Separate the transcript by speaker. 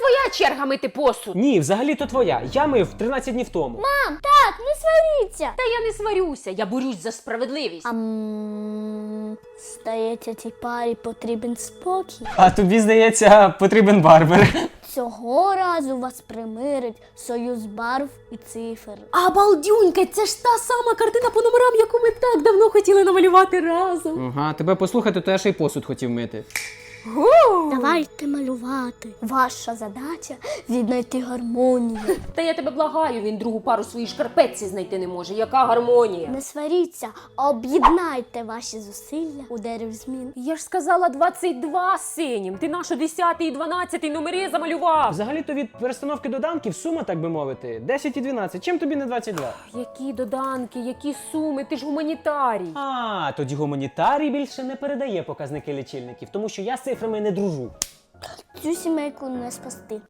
Speaker 1: твоя черга мити посуд.
Speaker 2: Ні, взагалі-то твоя. Я мив 13 днів тому.
Speaker 3: Мам, так, не сваріться.
Speaker 1: Та я не сварюся, я борюсь за справедливість.
Speaker 3: Здається, цій парі потрібен спокій.
Speaker 2: А тобі, здається, потрібен барбер.
Speaker 3: Цього разу вас примирить союз барв і цифр.
Speaker 1: А балдюнька, це ж та сама картина по номерам, яку ми так давно хотіли намалювати разом.
Speaker 2: Ага, тебе послухати, то я ще й посуд хотів мити.
Speaker 3: Давайте малювати. Ваша задача віднайти гармонію.
Speaker 1: Та я тебе благаю, він другу пару своїй шкарпетці знайти не може. Яка гармонія?
Speaker 3: Не сваріться, а об'єднайте ваші зусилля у дерев змін.
Speaker 1: Я ж сказала 22 синім. Ти нашу 10 і 12 номери замалював.
Speaker 2: Взагалі-то від перестановки доданків сума, так би мовити, 10 і 12. Чим тобі не 22?
Speaker 1: Які доданки, які суми, ти ж гуманітарій.
Speaker 2: А, тоді гуманітарій більше не передає показники лічильників, тому що я з цифрами не дружу.
Speaker 3: Цю сімейку не спасти.